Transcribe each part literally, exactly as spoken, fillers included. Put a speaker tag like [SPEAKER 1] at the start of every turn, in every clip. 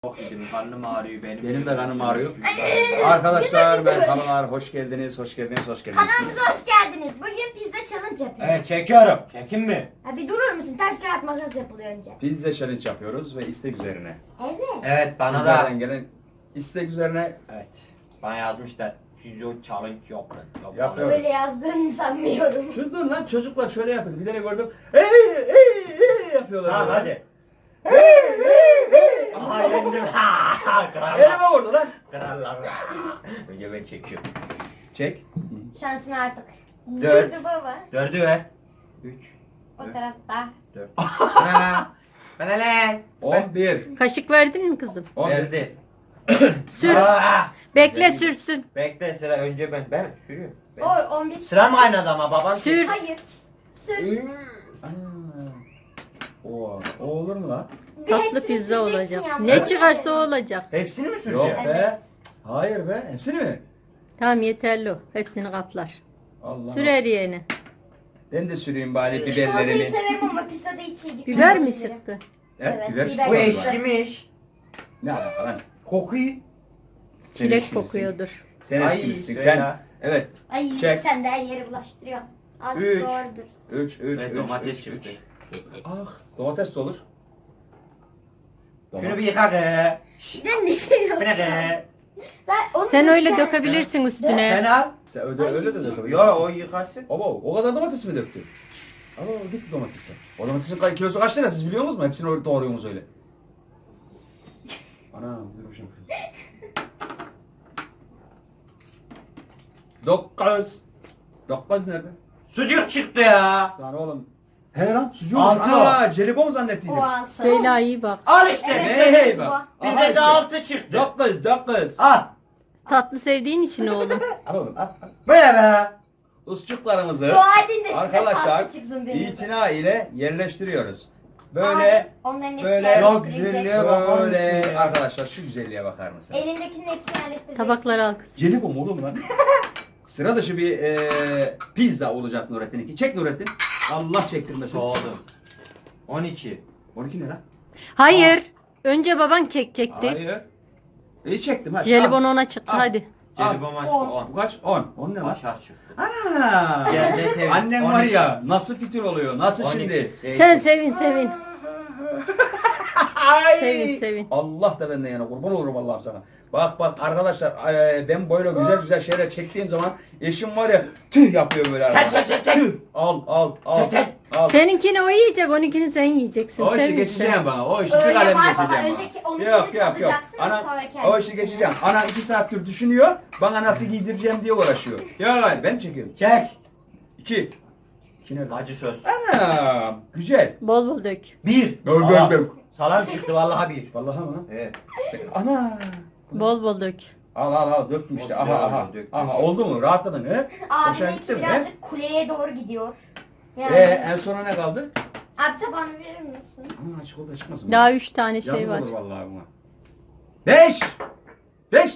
[SPEAKER 1] Çok yedim, karnım ağrıyor benim.
[SPEAKER 2] Benim de karnım ağrıyor. Arkadaşlar merhabalar, hoş geldiniz, hoş geldiniz, hoş geldiniz.
[SPEAKER 3] Kanalımıza hoş geldiniz. Bugün pizza challenge yapıyoruz.
[SPEAKER 1] Evet çekiyorum. Çekin mi?
[SPEAKER 3] Ha, bir durur musun? Taş kağıt makas yapılıyor önce.
[SPEAKER 2] Pizza challenge yapıyoruz ve istek üzerine.
[SPEAKER 3] Evet.
[SPEAKER 1] Evet bana
[SPEAKER 2] Sizlerden
[SPEAKER 1] da.
[SPEAKER 2] gelen istek üzerine
[SPEAKER 1] Evet. Bana yazmışlar. Pizza challenge yapın.
[SPEAKER 2] Yapıyoruz.
[SPEAKER 3] Böyle yazdığını sanmıyorum.
[SPEAKER 2] Şu dur lan çocuklar şöyle yapıyor. Bir tane gördüm. Ey ey ey yapıyorlar.
[SPEAKER 1] Tamam
[SPEAKER 2] böyle.
[SPEAKER 1] hadi.
[SPEAKER 2] Ey ey ey.
[SPEAKER 1] Aha yendim. Ha krallar.
[SPEAKER 2] Elime vurdu lan.
[SPEAKER 1] Krallar. Önce ben çekiyorum.
[SPEAKER 2] Çek.
[SPEAKER 3] Şansın artık.
[SPEAKER 1] Dört.
[SPEAKER 3] Durdu baba.
[SPEAKER 1] Dördü ver. Üç.
[SPEAKER 3] O tarafta.
[SPEAKER 1] Dört. Ha. Bana lan.
[SPEAKER 2] on bir.
[SPEAKER 4] Kaşık verdin mi kızım?
[SPEAKER 2] on bir.
[SPEAKER 1] Verdi.
[SPEAKER 4] Sür.
[SPEAKER 1] Aa!
[SPEAKER 4] Bekle sürsün.
[SPEAKER 1] Bekle sıra önce ben. Ben sürüyorum. Ben.
[SPEAKER 3] Oy on bir.
[SPEAKER 1] Sıra mı kaynadı ama baban?
[SPEAKER 4] Sür.
[SPEAKER 3] Hayır. Sür.
[SPEAKER 2] Aa. O, o olur mu lan?
[SPEAKER 3] Bir
[SPEAKER 4] Tatlı
[SPEAKER 3] hepsini
[SPEAKER 4] pizza
[SPEAKER 3] süreceksin
[SPEAKER 4] olacak.
[SPEAKER 3] yalnız.
[SPEAKER 4] Ne çıkarsa o olacak.
[SPEAKER 1] Hepsini mi
[SPEAKER 2] Yok
[SPEAKER 1] süreceğim?
[SPEAKER 2] be. Hayır be. Hepsini mi?
[SPEAKER 4] Tamam yeterli o. Hepsini kaplar.
[SPEAKER 2] Allah.
[SPEAKER 4] Sür her yeğeni.
[SPEAKER 2] Ben de süreyim bari
[SPEAKER 3] Çikolatayı
[SPEAKER 2] biberlerini.
[SPEAKER 3] severim ama pizzada hiç iyi değil.
[SPEAKER 4] Biber mi çıktı?
[SPEAKER 2] Evet,
[SPEAKER 3] Evet,
[SPEAKER 2] biber
[SPEAKER 3] biber
[SPEAKER 2] çıktı.
[SPEAKER 1] Bu
[SPEAKER 3] çıktı.
[SPEAKER 1] eşkimiş.
[SPEAKER 2] Ne alaka lan?
[SPEAKER 1] Kokuyu.
[SPEAKER 2] Sen
[SPEAKER 4] Çilek
[SPEAKER 2] eşkilisin.
[SPEAKER 4] kokuyordur.
[SPEAKER 2] Sen
[SPEAKER 1] Ay,
[SPEAKER 2] eşkilisin.
[SPEAKER 1] söyle.
[SPEAKER 2] Sen. Evet.
[SPEAKER 3] Ay
[SPEAKER 2] Çek.
[SPEAKER 3] sen de her yeri bulaştırıyorsun. Azıcık
[SPEAKER 2] Üç.
[SPEAKER 3] doğrudur.
[SPEAKER 2] üç üç
[SPEAKER 1] Ve
[SPEAKER 2] üç.
[SPEAKER 1] domates
[SPEAKER 2] üç,
[SPEAKER 1] çıktı.
[SPEAKER 2] üç. Ah, domates de olur.
[SPEAKER 1] Şunu bir yıka be.
[SPEAKER 3] Ne ne
[SPEAKER 1] Bu
[SPEAKER 3] diyorsun?
[SPEAKER 1] ne be?
[SPEAKER 3] Sen, onu
[SPEAKER 4] Sen öyle
[SPEAKER 3] dökeceksin.
[SPEAKER 4] dökebilirsin
[SPEAKER 1] Sen
[SPEAKER 4] üstüne.
[SPEAKER 1] al.
[SPEAKER 2] Sen öyle, öyle de dökebilirsin.
[SPEAKER 1] Yo o yıkasın.
[SPEAKER 2] Baba o kadar domates mi döktün? Alo gitti domatesi. O domatesin kay- kilosu kaç lira siz biliyor musunuz? Hepsini öyle doğruyorsunuz öyle. Ana dur bir şey. Dokuz. Dokuz nerede?
[SPEAKER 1] Sucuk çıktı ya.
[SPEAKER 2] Lan oğlum. He lan sucuğu.
[SPEAKER 1] Altı.
[SPEAKER 2] Aa jelibon zannettiydim.
[SPEAKER 3] O altı.
[SPEAKER 4] Söyle iyi bak.
[SPEAKER 1] Al işte.
[SPEAKER 3] Evet,
[SPEAKER 2] Hey
[SPEAKER 3] evet,
[SPEAKER 2] hey
[SPEAKER 3] bu.
[SPEAKER 2] bak. Aha
[SPEAKER 1] Bize
[SPEAKER 2] işte.
[SPEAKER 1] de altı çıktı.
[SPEAKER 2] Dokuz dokuz.
[SPEAKER 1] Al.
[SPEAKER 4] Tatlı sevdiğin için oğlum.
[SPEAKER 2] Al oğlum al. al.
[SPEAKER 1] Böyle be.
[SPEAKER 2] Usçuklarımızı
[SPEAKER 3] Dua edin de size
[SPEAKER 2] arkadaşlar
[SPEAKER 3] salça çıksın benim.
[SPEAKER 2] itina ile yerleştiriyoruz. Böyle
[SPEAKER 3] Abi, onların hepsini
[SPEAKER 2] böyle-
[SPEAKER 3] yerleştirecek.
[SPEAKER 1] Yok, güzelliğe bakar mısın
[SPEAKER 2] böyle
[SPEAKER 1] ya?
[SPEAKER 2] arkadaşlar şu güzelliğe bakar mısınız?
[SPEAKER 3] Elindekinin hepsini yerleştirecek.
[SPEAKER 4] Tabakları al kızım.
[SPEAKER 2] Jelibon oğlum lan. Sıra dışı bir e, pizza olacak Nurettin'inki. Çek Nurettin. Allah çektirmesin.
[SPEAKER 1] Soğudum. on iki.
[SPEAKER 2] on iki ne lan?
[SPEAKER 4] Hayır. Önce baban çekecekti.
[SPEAKER 2] Hayır. İyi çektim hadi.
[SPEAKER 4] Jelibon
[SPEAKER 2] Al.
[SPEAKER 4] ona çıktı
[SPEAKER 2] Al.
[SPEAKER 4] hadi.
[SPEAKER 1] Jelibon maçta
[SPEAKER 3] on.
[SPEAKER 1] on.
[SPEAKER 2] Bu kaç? on. on ne lan?
[SPEAKER 1] Aşağı çıktı.
[SPEAKER 2] Ana.
[SPEAKER 1] Gel de sevin.
[SPEAKER 2] Annem
[SPEAKER 1] on
[SPEAKER 2] var
[SPEAKER 1] iki.
[SPEAKER 2] ya nasıl fitil oluyor? Nasıl
[SPEAKER 1] on iki.
[SPEAKER 2] şimdi?
[SPEAKER 4] Sen sevin sevin.
[SPEAKER 2] Ay.
[SPEAKER 4] Sevin sevin.
[SPEAKER 2] Allah da benden yana kurban olurum Allah'ım sana. Bak bak arkadaşlar e, ben böyle güzel güzel şeyler çektiğim zaman eşim var ya tüh yapıyor böyle arkadaşlar.
[SPEAKER 1] Çek, çek, çek, çek.
[SPEAKER 2] Tüh al al al
[SPEAKER 1] Çek, çek.
[SPEAKER 2] al.
[SPEAKER 4] Seninkini o yiyecek, onunkini sen yiyeceksin.
[SPEAKER 2] O işi
[SPEAKER 4] Sevin
[SPEAKER 2] geçeceğim
[SPEAKER 4] sen.
[SPEAKER 2] bana. O işi
[SPEAKER 3] Öyle
[SPEAKER 2] bir kalem
[SPEAKER 3] var
[SPEAKER 2] geçeceğim
[SPEAKER 3] baba,
[SPEAKER 2] bana.
[SPEAKER 3] önceki onunkini
[SPEAKER 2] Yok yok yok.
[SPEAKER 3] tadacaksın,
[SPEAKER 2] Ana,
[SPEAKER 3] sonra
[SPEAKER 2] o
[SPEAKER 3] kendin
[SPEAKER 2] işi geçeceğim. Ana iki saattir düşünüyor. Bana nasıl giydireceğim diye uğraşıyor. Ya hayır ben çekiyorum.
[SPEAKER 1] Çek.
[SPEAKER 2] İki. İki nerede?
[SPEAKER 1] Acı söz.
[SPEAKER 2] Ana güzel.
[SPEAKER 4] Bol bol dök.
[SPEAKER 1] Bir.
[SPEAKER 2] Dök,
[SPEAKER 1] Salam.
[SPEAKER 2] dök, dök.
[SPEAKER 1] Salam çıktı vallahi bir.
[SPEAKER 2] Vallahi mı?
[SPEAKER 1] Evet.
[SPEAKER 2] Ana.
[SPEAKER 4] Bol bol dök.
[SPEAKER 2] Al al al döktüm işte.
[SPEAKER 1] Oldu,
[SPEAKER 2] Aha aha.
[SPEAKER 1] döktüm.
[SPEAKER 2] Aha oldu mu? Rahatladın he? Hoşuna gitti
[SPEAKER 3] Abiminki
[SPEAKER 2] mi he?
[SPEAKER 3] birazcık kuleye doğru gidiyor. Yani.
[SPEAKER 2] Ee, en sona ne kaldı?
[SPEAKER 3] Abi tabağını verir misin?
[SPEAKER 2] Aman çikolata çıkmasın mı?
[SPEAKER 4] Daha üç tane şey
[SPEAKER 2] Yazık
[SPEAKER 4] var.
[SPEAKER 2] olur vallahi buna. Beş! Beş!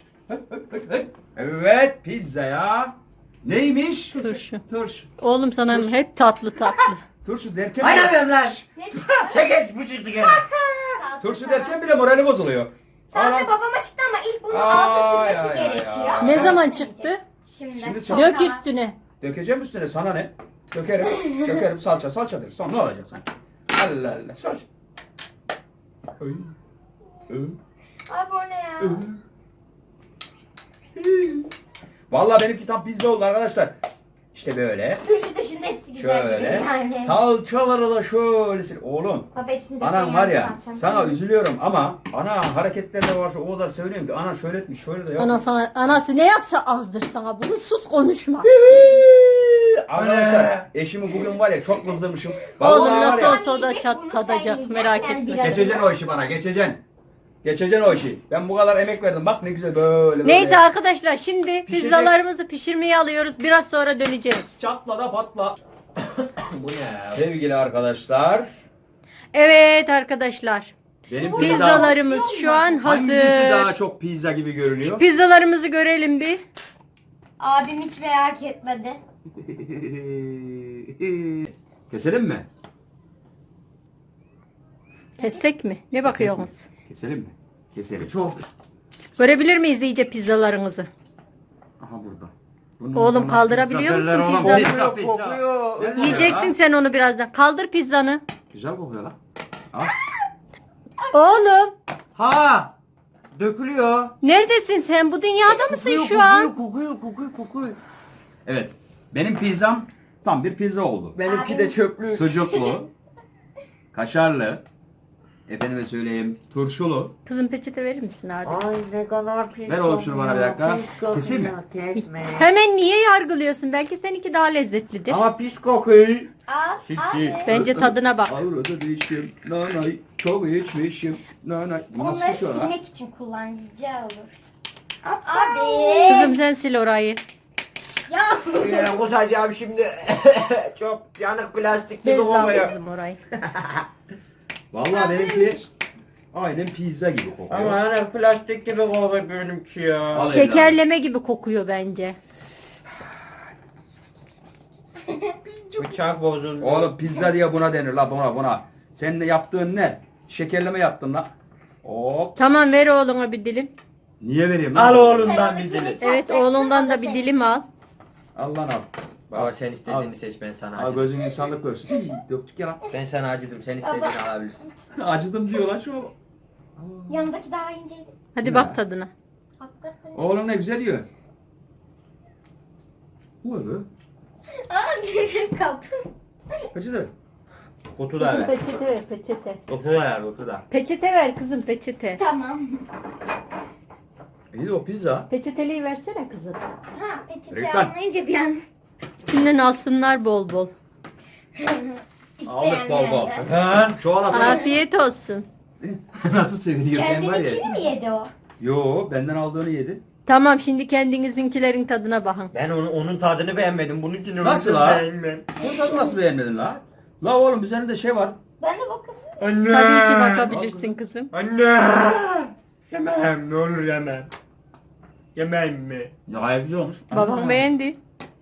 [SPEAKER 2] Evet pizza ya. Neymiş?
[SPEAKER 4] Turşu.
[SPEAKER 2] Turşu.
[SPEAKER 4] Oğlum sana
[SPEAKER 2] Turşu.
[SPEAKER 4] hep tatlı tatlı.
[SPEAKER 2] Turşu derken
[SPEAKER 1] Aynen benim lan.
[SPEAKER 3] Ne çıktı?
[SPEAKER 1] Çek bu çıktı gene.
[SPEAKER 3] Salça
[SPEAKER 2] Turşu
[SPEAKER 3] falan.
[SPEAKER 2] derken bile morali bozuluyor.
[SPEAKER 3] Salça
[SPEAKER 2] Aa.
[SPEAKER 3] babama çıktı ama ilk bunun
[SPEAKER 2] Ay,
[SPEAKER 3] altı
[SPEAKER 2] ay,
[SPEAKER 3] sürmesi
[SPEAKER 2] ay,
[SPEAKER 3] gerekiyor.
[SPEAKER 2] ay.
[SPEAKER 4] Ne zaman çıktı?
[SPEAKER 3] Şimdi.
[SPEAKER 2] Şimdi
[SPEAKER 3] Sonra-
[SPEAKER 4] Dök üstüne.
[SPEAKER 2] Dökeceğim üstüne sana ne? Dökerim. Dökerim salça salçadır. Son ne olacak sanki? Allah Allah salça. Öy. Öy.
[SPEAKER 3] Abi o ne ya?
[SPEAKER 2] Vallahi benimki tam pizza oldu arkadaşlar. İşte böyle.
[SPEAKER 3] Turşu dışında hepsi güzel
[SPEAKER 2] Şöyle.
[SPEAKER 3] gibi yani.
[SPEAKER 2] Salçaları da şöyle sil. Oğlum.
[SPEAKER 3] Baba hepsini de
[SPEAKER 2] Anam var ya
[SPEAKER 3] salçam.
[SPEAKER 2] sana üzülüyorum ama ana hareketlerine var o kadar söylüyorum ki ana şöyle etmiş şöyle de yapmış.
[SPEAKER 4] Ana sana, anası ne yapsa azdır sana bunu. Sus konuşma.
[SPEAKER 2] Arkadaşlar eşimi bugün var ya çok kızdırmışım.
[SPEAKER 4] Oğlum
[SPEAKER 2] Vallahi var
[SPEAKER 4] nasıl
[SPEAKER 2] ya,
[SPEAKER 4] olsa o da
[SPEAKER 3] Yiyecek,
[SPEAKER 4] çat
[SPEAKER 3] bunu
[SPEAKER 4] tadacak
[SPEAKER 3] sen yiyeceksin
[SPEAKER 4] merak
[SPEAKER 3] yani
[SPEAKER 4] etme.
[SPEAKER 3] biraz.
[SPEAKER 2] geçeceksin o işi bana geçeceksin. Geçeceksin o işi. Ben bu kadar emek verdim bak ne güzel böyle böyle.
[SPEAKER 4] Neyse arkadaşlar şimdi
[SPEAKER 2] Pişecek.
[SPEAKER 4] pizzalarımızı pişirmeye alıyoruz. Biraz sonra döneceğiz.
[SPEAKER 2] Çatla da patla.
[SPEAKER 1] Bu ne ya?
[SPEAKER 2] Sevgili arkadaşlar.
[SPEAKER 4] Evet arkadaşlar.
[SPEAKER 2] Benim
[SPEAKER 3] Bu
[SPEAKER 2] pizza
[SPEAKER 4] Pizzalarımız şu an
[SPEAKER 2] hangisi
[SPEAKER 4] hazır.
[SPEAKER 2] daha çok pizza gibi görünüyor?
[SPEAKER 4] Pizzalarımızı görelim bir.
[SPEAKER 3] Abim hiç merak etmedi.
[SPEAKER 2] Keselim mi?
[SPEAKER 4] Kessek mi? Ne bakıyorsunuz?
[SPEAKER 2] Keselim mi? Keselim.
[SPEAKER 1] Çok.
[SPEAKER 4] Görebilir miyiz iyice pizzalarınızı?
[SPEAKER 2] Aha burada. Bunun
[SPEAKER 4] Oğlum
[SPEAKER 2] yanına
[SPEAKER 4] kaldırabiliyor
[SPEAKER 1] Pizza
[SPEAKER 4] musun
[SPEAKER 1] oğlum,
[SPEAKER 4] pizzanı?
[SPEAKER 1] pizza.
[SPEAKER 2] Kokuyor, kokuyor.
[SPEAKER 1] Nerede?
[SPEAKER 4] Yiyeceksin sen onu birazdan. Kaldır pizzanı.
[SPEAKER 2] Güzel kokuyor lan. Al.
[SPEAKER 4] Oğlum
[SPEAKER 1] Ha! Dökülüyor.
[SPEAKER 4] neredesin sen? Bu dünyada mısın
[SPEAKER 2] Kokuyor,
[SPEAKER 4] şu an?
[SPEAKER 2] Kokuyor, kokuyor, kokuyor, kokuyor. Evet. Benim pizzam tam bir pizza oldu.
[SPEAKER 1] Benimki de çöplük.
[SPEAKER 2] Sucuklu, kaşarlı, efendime söyleyeyim turşulu.
[SPEAKER 4] Kızım peçete verir misin abi?
[SPEAKER 1] Ay ne kadar pis.
[SPEAKER 2] Ver oğlum şunu bana bir dakika.
[SPEAKER 1] Pis kokuyor,
[SPEAKER 2] Keseyim mi?
[SPEAKER 1] Kesme.
[SPEAKER 4] Hemen niye yargılıyorsun? Belki seninki daha lezzetlidir.
[SPEAKER 1] Ama pis kokuyor.
[SPEAKER 3] Al
[SPEAKER 1] Sil,
[SPEAKER 3] abi.
[SPEAKER 1] sil.
[SPEAKER 4] Bence tadına bak.
[SPEAKER 2] Avrada değişim, nanay, çok içmişim, nanay. Bu nasıl
[SPEAKER 3] Onları
[SPEAKER 2] bir şey lan?
[SPEAKER 3] silmek için kullanacağı olur. Abi.
[SPEAKER 4] Kızım sen sil orayı.
[SPEAKER 3] Ya.
[SPEAKER 1] Ee, kusacağım şimdi. Çok yanık plastik gibi
[SPEAKER 4] Bez al
[SPEAKER 1] kokuyor.
[SPEAKER 4] kızım orayı.
[SPEAKER 2] Vallahi benimki aynen pizza gibi kokuyor.
[SPEAKER 1] Ama yanık plastik gibi kokuyor benimki ya.
[SPEAKER 2] Al.
[SPEAKER 4] Şekerleme gibi kokuyor bence.
[SPEAKER 1] Bıçak bozuldu.
[SPEAKER 2] Oğlum pizza diye buna denir la buna buna. Senin de yaptığın ne? Şekerleme yaptın la. Hop.
[SPEAKER 4] Tamam ver oğluna bir dilim.
[SPEAKER 2] Niye vereyim lan?
[SPEAKER 1] Al oğlumdan bir dilim.
[SPEAKER 4] Evet oğlundan da bir dilim al.
[SPEAKER 2] Al lan al.
[SPEAKER 1] Baba sen
[SPEAKER 2] Al.
[SPEAKER 1] istediğini seç, ben sana
[SPEAKER 2] Al
[SPEAKER 1] acıdım.
[SPEAKER 2] gözün insanlık görsün. Hii, döktük ya lan.
[SPEAKER 1] Ben sana acıdım, sen istediğini alabilirsin.
[SPEAKER 2] Acıdım diyor lan şu.
[SPEAKER 3] Yanındaki daha inceydi.
[SPEAKER 4] Hadi
[SPEAKER 2] Ne?
[SPEAKER 4] bak tadına.
[SPEAKER 3] Hakikaten.
[SPEAKER 2] Oğlum ne güzel yiyor. Bu ne be?
[SPEAKER 3] Aa bir kap.
[SPEAKER 2] Kaçıdır?
[SPEAKER 1] Kutu da ver.
[SPEAKER 4] Peçete ver peçete.
[SPEAKER 1] Kutu da ver, kutu da.
[SPEAKER 4] Peçete ver kızım peçete.
[SPEAKER 3] Tamam.
[SPEAKER 2] İyi de o pizza.
[SPEAKER 4] Peçeteliği versene kızım.
[SPEAKER 3] Ha peçete
[SPEAKER 2] Reklam.
[SPEAKER 3] anlayınca bir an.
[SPEAKER 4] İçinden alsınlar bol bol.
[SPEAKER 2] Aldık bol bol.
[SPEAKER 3] İsteyenlerden.
[SPEAKER 2] Ha, çoğal atalım.
[SPEAKER 4] Afiyet olsun.
[SPEAKER 2] Nasıl seviniyor ben var ya.
[SPEAKER 3] Kendininkini mi yedi o?
[SPEAKER 2] Yo benden aldığını yedi.
[SPEAKER 4] Tamam şimdi kendinizinkilerin tadına bakın.
[SPEAKER 1] Ben onun, onun tadını beğenmedim, bununkini
[SPEAKER 2] Nasıl
[SPEAKER 1] ben
[SPEAKER 2] ha?
[SPEAKER 1] beğenmem.
[SPEAKER 2] Bu tadı nasıl beğenmedin la? La oğlum üzerinde şey var.
[SPEAKER 3] Ben de bakın.
[SPEAKER 1] Anne.
[SPEAKER 4] Tabii ki bakabilirsin kızım.
[SPEAKER 1] Anne. Yemem, ne olur yemem. Yemem mi?
[SPEAKER 2] Ya gayet güzel olmuş.
[SPEAKER 4] Babam beğendi.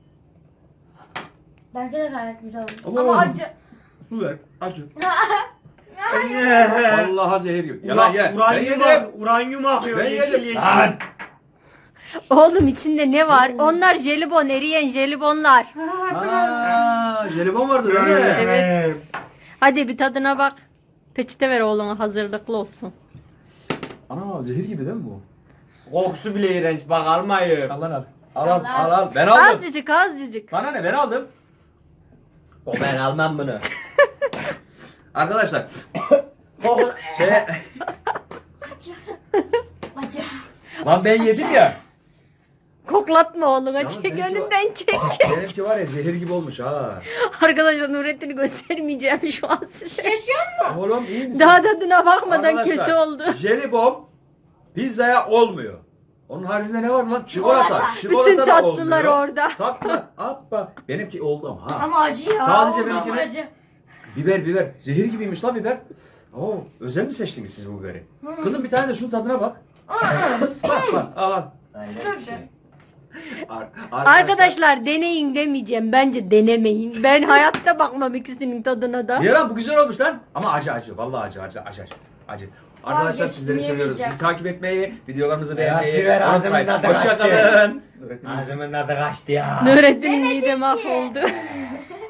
[SPEAKER 3] Bence de gayet güzel olmuş.
[SPEAKER 2] Ama
[SPEAKER 3] Ama
[SPEAKER 2] oğlum.
[SPEAKER 3] acı.
[SPEAKER 2] Su ver. Acı.
[SPEAKER 1] Anne.
[SPEAKER 2] Vallahi zehir gibi. Ya lan ye. Ben
[SPEAKER 1] Uranyum,
[SPEAKER 2] yedim.
[SPEAKER 1] ak- uranyum akıyor,
[SPEAKER 2] Ben
[SPEAKER 1] yeşil
[SPEAKER 2] yedim.
[SPEAKER 1] yeşil.
[SPEAKER 2] Lan.
[SPEAKER 4] Oğlum içinde ne var? Onlar jelibon, eriyen jelibonlar.
[SPEAKER 2] Aa, jelibon vardı değil mi?
[SPEAKER 4] Evet. Hadi bir tadına bak. Peçete ver oğluna hazırlıklı olsun.
[SPEAKER 2] Ana zehir gibi değil mi bu?
[SPEAKER 1] Kokusu bile iğrenç, bak almayın.
[SPEAKER 2] Al lan al. Al al al al. Ben aldım.
[SPEAKER 4] Azıcık azıcık.
[SPEAKER 2] Bana ne ben aldım.
[SPEAKER 1] O ben almam bunu.
[SPEAKER 2] Arkadaşlar
[SPEAKER 1] Koku...
[SPEAKER 2] şey
[SPEAKER 3] Acı. Acı.
[SPEAKER 2] lan ben yedim ya.
[SPEAKER 4] Koklatma oğluna
[SPEAKER 2] Yalnız
[SPEAKER 4] çek
[SPEAKER 2] benimki
[SPEAKER 4] önünden çek.
[SPEAKER 2] Benimki var ya zehir gibi olmuş ha.
[SPEAKER 4] Arkadaşlar Nurettin'i göstermeyeceğim şu an size.
[SPEAKER 3] Yaşıyor mu?
[SPEAKER 2] Oğlum iyi misin?
[SPEAKER 4] Daha tadına bakmadan
[SPEAKER 2] Arkadaşlar,
[SPEAKER 4] kötü oldu.
[SPEAKER 2] Jelibon pizzaya olmuyor. Onun haricinde ne var lan? Çikolata.
[SPEAKER 3] Çikolata.
[SPEAKER 2] Çikolata
[SPEAKER 4] Bütün
[SPEAKER 2] da
[SPEAKER 4] tatlılar
[SPEAKER 2] olmuyor.
[SPEAKER 4] orada.
[SPEAKER 2] Tatlı. Appa. Benimki oldu ama ha.
[SPEAKER 3] Ama acı ya.
[SPEAKER 2] Sadece
[SPEAKER 3] Oğlum,
[SPEAKER 2] benimkine-
[SPEAKER 3] acı.
[SPEAKER 2] Biber biber. Zehir gibiymiş la biber. Oo, özel mi seçtiniz siz bu biberi? Kızım bir tane de şunun tadına bak. bak bak al al.
[SPEAKER 1] Aynen bir şey.
[SPEAKER 2] Ar-
[SPEAKER 4] Arkadaşlar deneyin demeyeceğim. Bence denemeyin. Ben hayatta bakmam ikisinin tadına da.
[SPEAKER 2] Niye lan bu güzel olmuş lan? Ama acı acı. Vallahi acı acı acı acı. acı. Arkadaşlar
[SPEAKER 3] Vazgeçtim,
[SPEAKER 2] sizleri seviyoruz.
[SPEAKER 3] yemeyeceğim.
[SPEAKER 2] Bizi takip etmeyi, videolarımızı
[SPEAKER 1] Ya,
[SPEAKER 2] beğenmeyi
[SPEAKER 1] Siver ağzımın
[SPEAKER 2] unutmayın.
[SPEAKER 1] tadı
[SPEAKER 2] Hoşçakalın.
[SPEAKER 1] Ağzımın tadı kaçtı ya.
[SPEAKER 4] Nurettin'in mide mahvoldu.